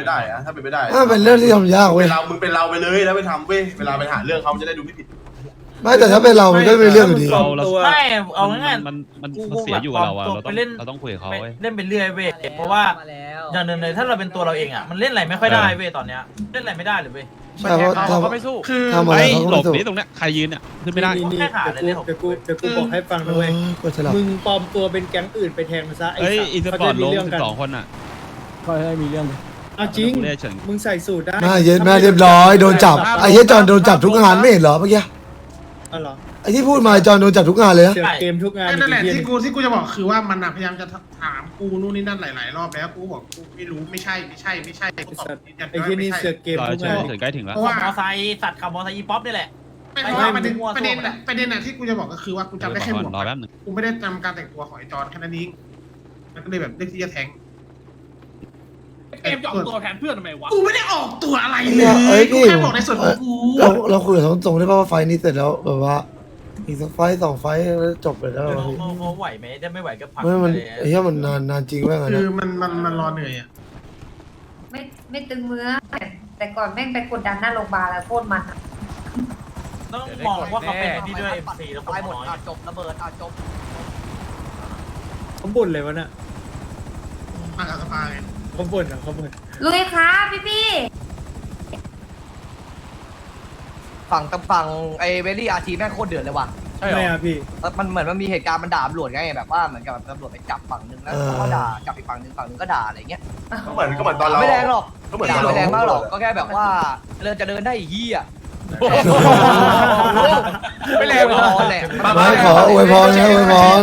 ได้อะถ้าเป็นไปได้เป็นเรื่องที่ทำยากเว้ยมึงเป็นเราไปเลยแล้วไปทำเว้ยเวลาไปหาเรื่องเขาจะได้ดูไม่ผิดไม่แต่ถ้าเป็นเรามันก็เป็นเรื่องอยู่ดีไม่เอาง่ายมันเสียอยู่กับเราอะเราต้องคุยกับเขาเล่นไปเรื่อยเว้ยเพราะว่าอย่างหนึ่งเลยถ้าเราเป็นตัวเราเองอ่ะมันเล่นอะไรไม่ค่อยได้เว้ยตอนเนี้ยเล่นอะไรไม่ได้เลยเว้ยใช่เพราะเขาไม่สู้คือทำอะไรเขาหลไม่บสู้นี่ตรงเนี้ยใครยืนเนี่ยขึ้นไม่ได้แค่ขาเลยเดี๋ยวกูบอกให้ฟังด้วยก็ฉลาดมึงปลอมตัวเป็นแก๊งอื่นไปแทงมันซะไอ้อีสปอร์ตลง12 คนอ่ะก็ให้มีเรื่องเอาจริงมึงใส่สูตรได้แม่เรียบร้อยโดนจับไอ้เหี้ยจอนโดนจับทุกงานไม่เห็นเหรอเมื่อกี้อ๋อเหรอไอ้ที่พูดมาจอนโดนจับทุกงานเลยนะเกมทุกงานนั่นแหละที่กูจะบอกคือว่ามันพยายามจะถามกูนู่นนี่นั่นหลายๆรอบแล้วกูบอกกูไม่รู้ไม่ใช่กูตอบไอ้ที่นี่เสือเกมทุกงานใกล้ถึงแล้วเพราะว่ามอไซค์สัตว์ขับมอไซค์อีป๊อปนี่แหละไม่เพราะว่าประเด็นน่ะที่กูจะบอกก็คือว่ากูจำได้แค่หมวกกูไม่ได้จำการแต่งตัวของไอ้จอนแค่นั้นเองมันก็เลยแบบเลือกที่จะแทงเกมจะออกตัวแทนเพื่อนทำไมวะกูไม่ได้ออกตัวอะไรเลยกูแค่บอกในส่วนของกูเราคุยกับตรงๆได้ป่ะว่าไฟนี้เสร็จแล้วแบบว่าอีกสักไฟ2 ไฟจบเลยแล้วเขาไหวไหมถ้าไม่ไหวก็พักมันไอ้เหี้ยมันนานจริงว่าไงคือมันรอเหนื่อยอ่ะไม่ตึงมือแต่ก่อนแม่งไปกดดันหน้าโรงพยาบาลแล้วโคตรมันต้องมองว่าเขาเป็นที่ด้วย MC แล้วคนน้อยจบระเบิดจบเขาบ่นเลยวะน่ะมากับสภาไงเขาบ่นลุยครับพี่ฝั่งไอ้เวลี่อาร์ทีแม่งโคตรเดือดเลยว่ะใช่ไหมพี่มันเหมือนมันมีเหตุการณ์มันด่าตำรวจไงแบบว่าเหมือนกับตำรวจไปจับฝั่งนึงแล้วเขาด่าจับอีกฝั่งนึงก็ด่าอะไรเงี้ยก็เหมือนตอนเราไม่แรงหรอกด่าไม่แรงมากหรอกก็แค่แบบว่าจะเดินได้อีกยี่อ่ะไม่แรงหรอกแหละไม่ขออวยพรนะอวยพร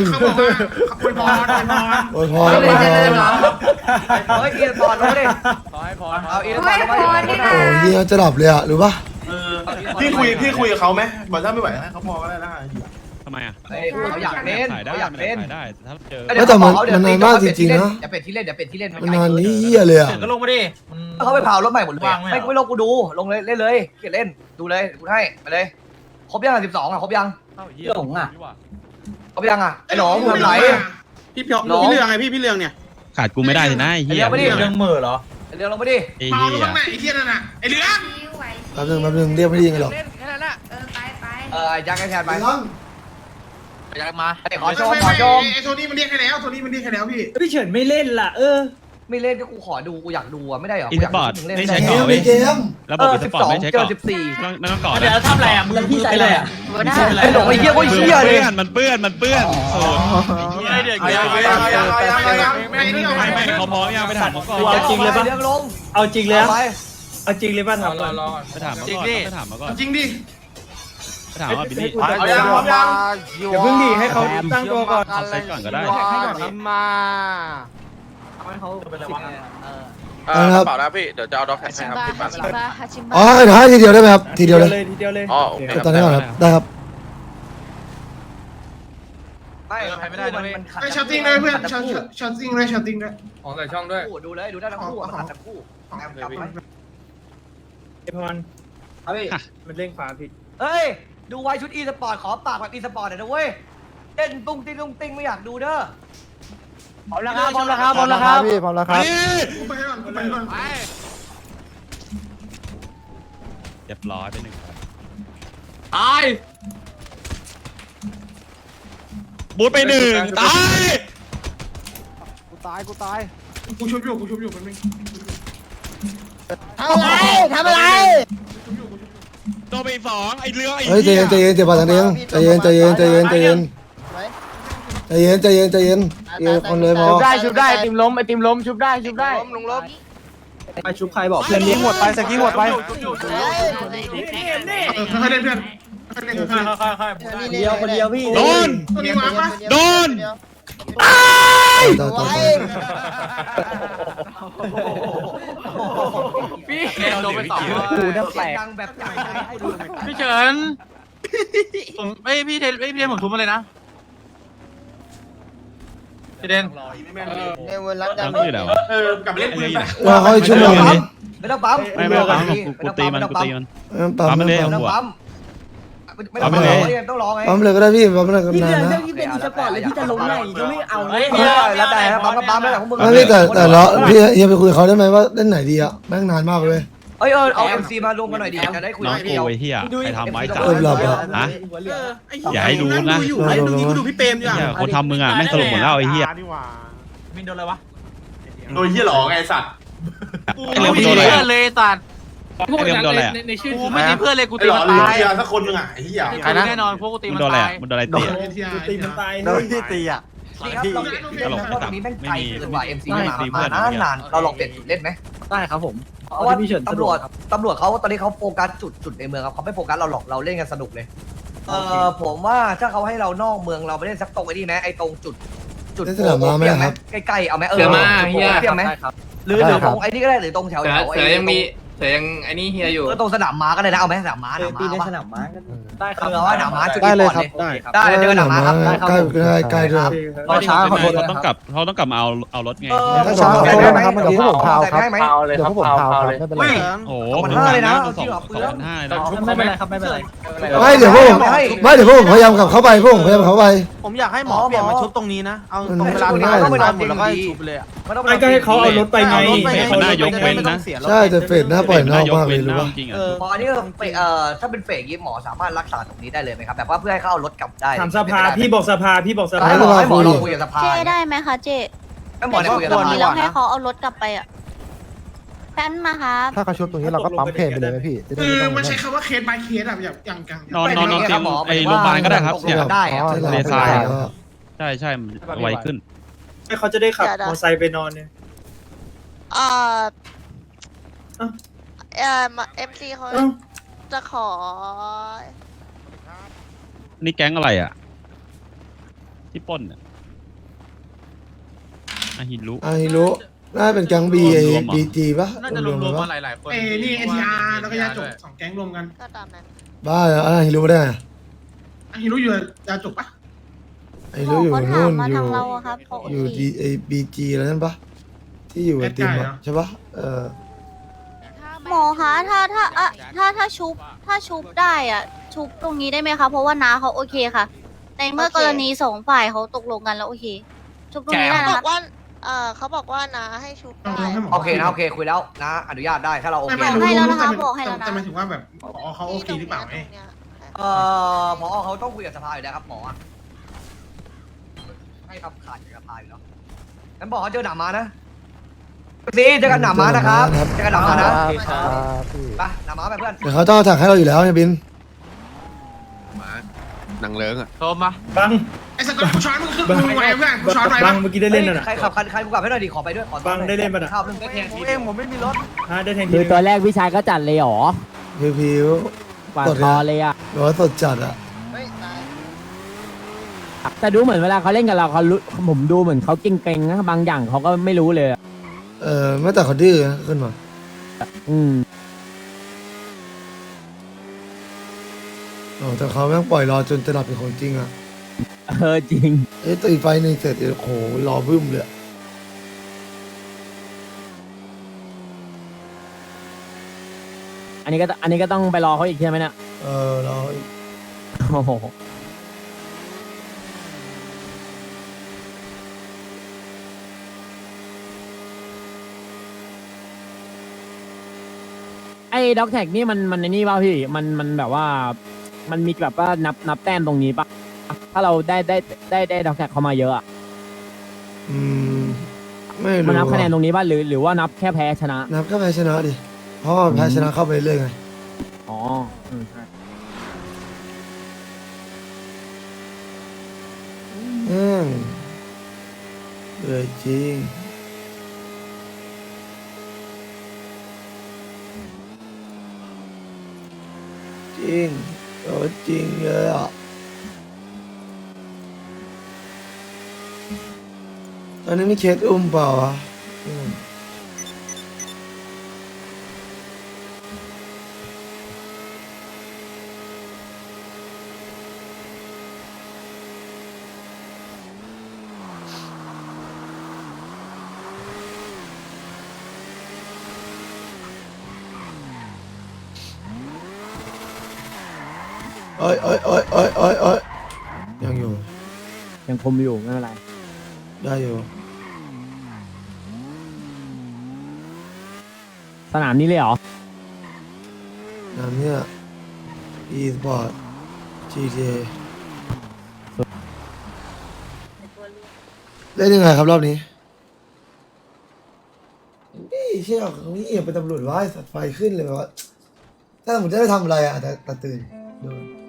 เฮ้ยอีสปอร์ตลงมาดิขอให้พรเอาอีสปอร์ตลงมาดิโอ้ยเหี้ยจะดับเลยอ่ะรู้ป่ะพี่คุยกับเขาไหมบอกถ้าไม่ไหวให้เขาพอก็ได้นะทำไมอ่ะเขาอยากเล่นได้ถ้าเจอแต่มันนานมากจริงๆนะอย่าเป็นที่เล่นมันนานนี้เหี้ยเลยอ่ะก็ลงมาดิเขาไปเผารถใหม่หมดเลยไม่ลงกูดูลงเลยเล่นเลยเขียนเล่นดูเลยกูให้ไปเลยครบยัง12อ่ะครบยังหลงอ่ะครบยังอ่ะไอ้หลงทำไรพี่เรื่องไงพี่เรื่องเนี่ยขาดกูไม่ได้เลยนะไอ้เหี้ยเรื่องมือเหรอเรื่องลงมาดิเมาลงไหนไอ้เหี้ยนั่นน่ะไอ้เรื่องแป๊บนึงเรียกไม่ดีไงหรอกยักษ์แทนไปยักษ์มาขอโชมไอ้โทนี่มันเรียกให้แล้วพี่เฉินไม่เล่นล่ะไม่เล่นก็กูขอดูกูอยากดูอ่ะไม่ได้หรออีสปอร์ตไม่ใช่เกมระบบอีสปอร์ตไม่ใช่ก่อนไม่ต้องก่อนเดี๋ยวทำอะไรอ่ะมึงพี่ใช้อะไรอ่ะไอ้หลงไอ้เหี้ยก็เหี้ยเลยมันเปื้อนไม่เขาพร้อมยังไปถามเขาก่อนเอาจริงเลยป่ะเอาจริงเลยป่ะถามก่อนไปถามเขาก่อนจริงดิถามว่าบิลลี่อย่าเพิ่งดีให้เขาตั้งตัวก่อนใส่ก่อนก็ได้มาเขาเป็นอะไรวะครับเปล่านะพี่เดี๋ยวจะเอาด็อกแท็กให้ครับพี่ปั่นอ๋อเดี๋ยวให้ทีเดียวได้ไหมครับทีเดียวเลยอ๋อโอเคตอนนี้ก่อนครับได้ครับไม่ได้ไอ้ช็อตติ้งด้วยเพื่อนช็อตติ้งด้วยของใส่ช่องด้วยดูเลยดูได้ทั้งคู่ทั้งคู่ไอพรมันเร่งขวาผิดเฮ้ยดูไว้ชุดอีสปอร์ตขอปากแบบอีสปอร์ตหน่อยนะเว้ยเต้นตุ้งติ้งไม่อยากดูเด้อพร้อมแล้วครับพี่พร้อมแล้วครับไปก่อนเรียบร้อยไป1 ตายบูทไป1ตายกูชุบอยู่มันไม่ทำอะไรตัวไป2ไอ้เรือไอ้เฮ้ยใจเย็นเจ็บปากทางเองใจเย็นคนเลยพอชุบได้ไอติมล้มชุบได้ลงล้มไปชุบใครบอกเพื่อนนี้หมดไปสกี้หมดไปค่อยเล่นเพื่อนคนเดียวพี่โดนพี่โดนไป2 กูน่าแปลกแบบจ่ายให้ดูพี่เฉินผมพี่เทนผมทุบมาเลยนะพี่เดนในวันรักยังไม่แล้วกลับเล่นปืนไปว่าเขาชั่วโมงไม่ต้องปั๊มไม่ปั๊มกูตีมันปั๊มมันเลยหัวไม่ต้องรอต้องรอไงปั๊มเลยก็ได้พี่ปั๊มเลยก็พี่นาเดือน นนะเรื่องที่เป็นอีสปอร์ตเลยพี่จะลงไหนก็ไม่เอาเฮ้ยแล้วแต่ปั๊มก็ปั๊มแล้วแต่ของมึงไม่พี่แต่เราพี่เฮียไปคุยกับเขาได้ไหมว่าเล่นไหนดีอะแม่งนานมากเลยเอา MC มารวมกันหน่อยดิจะได้คุยน้องเดียวกูไอ้เหี้ยใครทำไม้จับหลับอะฮะอย่าให้รู้นะไอ้ดูนี้กูดูพี่เปรมดีกว่าเหี้ยคนทำมึงอ่ะแม่งสลบหมดแล้วไอ้เหี้ยมินโดนอะไรวะโดยที่หลอไงสัตว์ไอ้เรื่องมึงโดนอะไรอะเลยสัตว์ไอ้เรื่องมึงโดนอะไรอะในชื่อกูไม่มีเพื่อนเลยกูไอ้ตีหลอมันหรือตายเฮียสักคนหนึงอ่ะไอ้เหี้ยใครแน่นอนพวกกูตีมึมังนโดนอะไรตายอะมึงโดนอะไรเตะตีมันตายโดนที่ตีอ่ะนี่ครับเราเปลี่ยนตรงนี้แม่งไกลเกินกว่า MC มานานเราลองเปลี่ยนจุดเล่นไหมได้ครับผมเพราะว่าตำรวจเขาตอนนี้เขาโฟกัสจุดในเมืองครับเขาไม่โฟกัสเราหรอกเราเล่นกันสนุกเลยผมว่าถ้าเขาให้เรานอกเมืองเราไปเล่นสักตรงไอ้นี่ไหมไอ้ตรงจุดใกล้ๆเอาไหมเทียมไหมหรือตรงไอ้นี่ก็ได้หรือตรงแถวเสือยังมีเสือยังไอ้นี่เฮียอยู่ตรงสนามม้าก็ได้นะเอาไหมสนามม้าตีในสนามม้าได้ครับเอาว่าสนามม้าจุดได้นี้เลยก่อนครับเลยได้ได้เจอสนามม้าครับได้ครับใกล้ด้วยรอช้าขอโทษเขาต้องกลับมาเอารถไงถ้าช้าขอโทษนะครับมันเดี๋ยวพวกผมพาวครับได้ไหมเดี๋ยวพวกผมพาวครับไม่เป็นไรโอ้โห 2,500เลยนะ 2,500เลยไม่เป็นไรครับไม่เป็นไรไม่เดี๋ยวพวกผมพยายามกลับเข้าไปพวกผมพยายามเข้าไปผมอยากให้หมอเปลี่ยนมาชุบตรงนี้นะเอาตรงเวลามันที่ง่ายเราไปนอนหมดแล้วก็ชุบเลยอ่ะไม่ก็ให้เขาเอารถไปไงมันน่ายกเว้นนะใช่แต่เฟดหน้าปล่อยนอกมากเลยรู้ป่ะจริงอ่ะพออันนี้ถ้าเป็นเฟกยิปหมอสามารถรักษาตรงนี้ได้เลยไหมครับแบบว่าเพื่อให้เขาเอารถกลับได้ถามสภาพี่บอกสภาพี่บอกสภาให้หมอลองคุยกับสภาเจได้ไหมคะเจให้หมอคุยกับสภานี้เราให้เขาเอารถกลับไปอ่ะแป้นมาครับถ้าเขาชุบตรงนี้เราก็ปั๊มเพนไปเลยไหมพี่จะได้คือไม่ต้องมันใช้คำว่าเคส by เคสอะอย่างนอนเตียงไอ้โรงพยาบาลก็ได้ครับเนี่ยได้เลทรายใช่ไวขึ้นเขาจะได้ขับมอเตอร์ไซค์ไปนอนเนี่ย MC เขาจะขอนี่แก๊งอะไรอ่ะที่ปล้นอ่ะอาฮิรุไอ้รู้น่าเป็นแก๊งบีไอ้บีจีป่ะน่าจะรวมๆมาหลายๆคนนี่ NTR แล้วก็ยาจบ2แก๊งรวมกันก็ตามนั้นบ้าเหรอไอ้รู้ได้ไงฮิรุอยู่ยาจบปะไอ้รู้อยู่เขาถานู่มนมาอยู่ทางเราอะครับเขาอยู่ดีไอ้บีจีอะไรนั่นปะที่อยู่กับทีมอะใช่ปะหมอคะถ้าชุบได้อ่ะชุบตรงนี้ได้ไหมคะเพราะว่าน้าเขาโอเคค่ะ ในเมื่อกรณีสองฝ่ายเขาตกลงกันแล้วโอเคชุบตรงนี้ได้นะคะเขาบอกว่าน้าให้ชุบได้โอเคนะโอเคคุยแล้วนะอนุญาตได้ถ้าเราโอเคให้แล้วนะคะบอกให้แล้วนะแต่หมายถึงว่าแบบเขาโอเคหรือเปล่าไงหมอเขาต้องคุยกับสภาอยู่แล้วครับหมอให้คำขาดกับสภาอยู่แล้วงั้นบอกเขาเจอหนามานะซีเจอกันหนามานะครับเจอกันหนามานะไปหนามาไปเพื่อนเดี๋ยวเขาต้องถักให้เราอยู่แล้วเนี่ยบินหนังเลิ้งอ่ะโทรมาบังไอ้สกอตกูช้อนมึงขึ้นมึงไว้เพื่อนกูช้อนไว้บังเมื่อกี้ได้เล่นน่ะใครขับใครกูกลับให้หน่อยดิขอไปด้วยขอบังได้เล่นป่ะน่ะข้าวเรื่องได้แทงทีเองผมไม่มีรถได้แทงทีคือตัวแรกพี่ชายก็จัดเลยหรอผิวปาดคอเลยอ่ะๆหรือว่าสดจัดอะแต่ดูเหมือนเวลาเขาเล่นกับเราเขารู้ผมดูเหมือนเขาเก่งๆนะบางอย่างเขาก็ไม่รู้เลยอะไม่แต่เขาดื้อนะขึ้นมาอืมแต่เขาแม่งปล่อยรอจนจะหลับเป็นของจริงอะจริงตีไฟหนึ่งเสร็จโอ้โหรอบึ้มเลยอันนี้ก็ต้องไปรอเขาอีกใช่ไหมเนี่ยรอโอ้โหไอ้ด็อกแท็กนี่มันในนี่ป่ะพี่มันแบบว่ามันมีแบบว่านับแต้มตรงนี้ป่ะถ้าเราได้ด็อกแท็กเข้ามาเยอะอะไม่รู้มันนับคะแนนตรงนี้ป่ะหรือว่านับแค่แพ้ชนะนับก็แพ้ชนะดิเพราะว่าแพ้ชนะเข้าไปเรื่อยไงอ๋อใช่เลยจริงจริงจริงเลยอ่ะอันนี้ไม่เคสอุ้มเปล่าวะอ้ยโอ้ยโอ้ยโอ้ยโอ้ยโอ้ยยังอยู่ยังคมอยู่ไม่เป็นไรได้อยู่สนามนี้เลยเหรอน้ำเนี่ย e-sport GTA เล่นยังไงครับรอบนี้นี่เชี่ยนี่เป็นตำรวจว่าสัตว์ไฟขึ้นเลยแบบว่าถ้าสมมติจะได้ทำอะไรอ่ะแต่ตื่นดู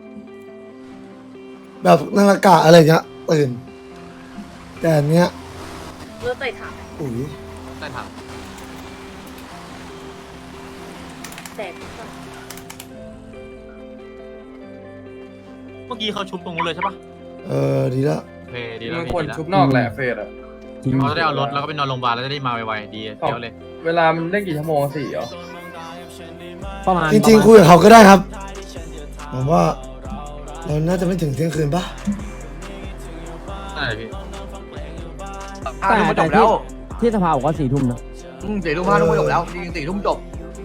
แบบนาฬิกาอะไรเงี้ยตื่น แต่อันเนี้ยเลือดใส่ถังอุ้ยใต้ถังแต่เมื่อกี้เขาชุบตรงนู้นเลยใช่ปะดีละโอเคดีแล้วมันพี่ควรดีแล้วชุบนอกแหละเฟสอะจริงเขาจะได้เอารถแล้วก็ไปนอนโรงพยาบาลแล้วจะได้มาไวๆดีเดี๋ยวเลยเวลามันเล่นกี่ชั่วโมง4เหรอประมาณจริงๆคุยกับเขาก็ได้ครับผมว่าเราน่าจะไม่ถึงเที่ยงคืนปะได้พี่ 5 ทุ่มก็จบแล้วที่สภาบอกว่า4 ทุ่มนะ 4 ทุ่ม 5 ทุ่มก็จบแล้วจริงๆ4 ทุ่มจบ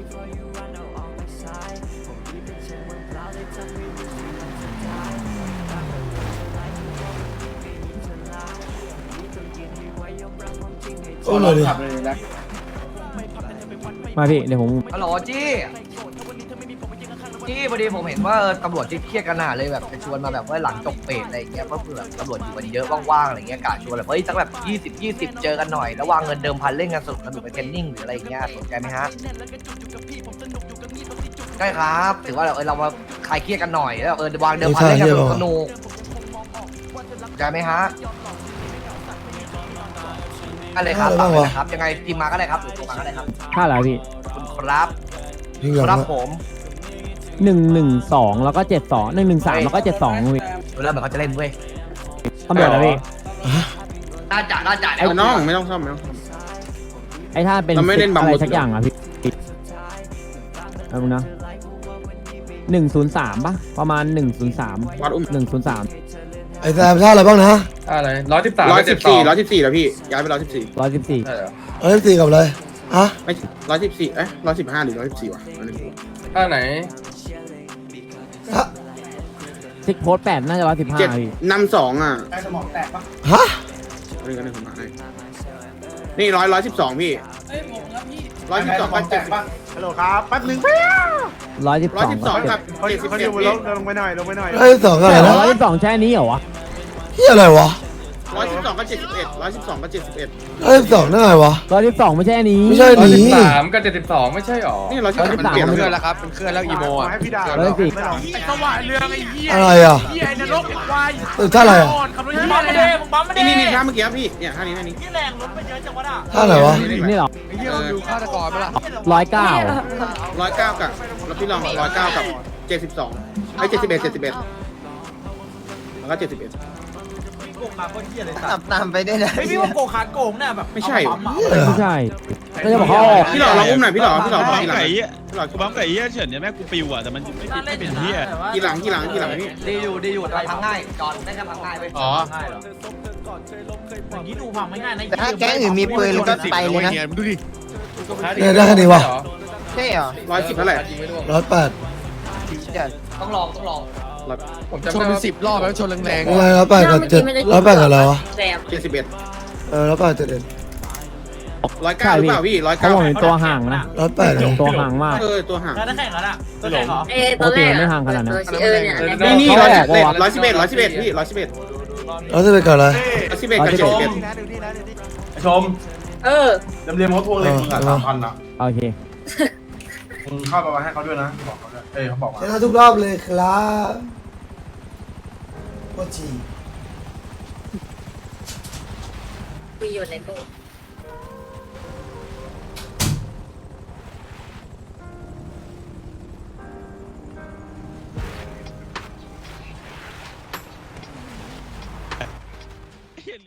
โอ้เลยดิมาพี่เดี๋ยวผมฮัลโหลจี้พอดีผมเห็นว่าตำรวจที่เครียดกันหนาเลยแบบจะชวนมาแบบว่าหลังจบเฟสอะไรอย่างเงี้ยเพราะคือแบบตำรวจอยู่กันเยอะว่างๆอะไรเงี้ยกะชวนแบบเฮ้ยสักแบบ20 เจอกันหน่อยแล้ววางเงินเดิมพันเล่นกันสนุกไปเทรนนิ่งหรืออะไรอย่างเงี้ยสนใจไหมฮะได้ครับถือว่าเรามาคลายเครียดกันหน่อยแล้ววางเดิมพันเล่นกันสนุกสนใจไหมฮะอะไรครับฝากเลยนะครับยังไงทีมมาก็ได้ครับหรือตัวมาก็ได้ครับค่าอะไรพี่คุณครับพี่เหลืองครับอะผม 112แล้วก็72 113แล้วก็72พี่ดูแล้วเหมือนเขาจะเล่นเว้ยตำรวจนะพี่น่าจ่ายไอ้น้องไม่ต้องซ่อมไม่ต้องซ่อมไอ้ถ้าเป็นเราไม่เล่นบังอะไรหมดสักอย่างอ่ะพี่เอาดูนะ103ป่ะประมาณ103 วัดอุ้ม 103 ไอ้แซมท่าอะไรบ้างนะอะไร113 114แล้วพี่ย้ายไป114 114 ใช่เหรอ 114กับอะไรฮะไม่114115หรือ114วะอันนี้ท่าไหนซิกโพส8น่าจะ115พี่นำ2อ่ะไอ้สมองแตกปะฮะนี่ก็ได้ผมมาให้นี่112พี่112กับ70 ฮัลโหลครับแป๊บนึง 112กับเขาอยู่บนรถลงไปหน่อยลงไปหน่อย 112อะไรนะ 112แค่นี้เหรอวะเฮียอะไรวะ 112กับ71 112กับ71 112นั่นไงวะ 112ไม่ใช่อันนี้ไม่ใช่หนี 113กับ72ไม่ใช่หรอนี่113มันเปลี่ยน 113 เพื่อนแล้วครับเป็นเคลื่อนแล้วอีโมอ่ะให้พี่ดา 114 ไอ้สว่ายเรืองไอ้เหี้ยอะไรอ่ะเหี้ยไอ้นรกไอ้ควายท่าอะไรอ่ะขับรถมึงเหี้ยบัมอะไรมาเด้เนี่ยมึงบัมมาเด้นี่ท่าเมื่อกี้พี่เนี่ยท่านี้ที่แรงรถไปเยอะจังวะน่ะท่าไหนวะนี่เหรอไอ้เหี้ยเราดูฆาตกรไปละ 109 109กับแล้วพี่ลอง109กับ72ไอ้71แล้วก็71 โกงมาโคตรเหี้ยเลยสัตว์ตามไปได้เลยไม่พี่ว่าโกงขาโกงเนี่ยแบบไม่ใช่เอาาปั๊มอะไม่ใช่ก็จะบอกเขาออกพี่หล่อเราอุ้มหน่อยพี่หล่อกูบัมทีหลังไก่เหี้ยพี่หล่อกูบัมไก่เหี้ยเฉินเนี่ยแม่กูปิวอ่ะแต่มันไม่เป็นเหี้ยทีหลังพี่ดีอยู่แต่พังง่ายจอนได้แค่พังง่ายเว้ยอ๋อง่ายเหรออย่างนี้ดูพังไม่ง่ายนะแต่ถ้าแก๊งอื่นมีปืนก็ไปเลยนะดูดิเนี่ยได้แค่นี้วะใช่เหรอ 110เท่าไหร่ 108 ต้องลองผมจำได้ว่า10 รอบแล้วชนแรงอะไร108กับ7 108กับอะไรวะแซม 71 108 7 109หรือเปล่าพี่เขาบอกเป็นตัวห่างนะ 108เลยตัวห่างมากตัวห่างแล้วได้แข่งแล้วน่ะตัวแข่งเหรอตอนแรกไม่ห่างขนาดนั้นเนี่ยนี่เขาบอกว่า 111พี่111 111กับอะไร 111กับชม 71 ชมเออเรียมเขาทวงเลยมึงอ่ะ3,000นะโอเคมึงเข้าไปให้เขาด้วยนะบอกเขาด้วยเขาบอกมาชนะทุกรอบเลยครับโคตรจีคุยอยู่ในตู้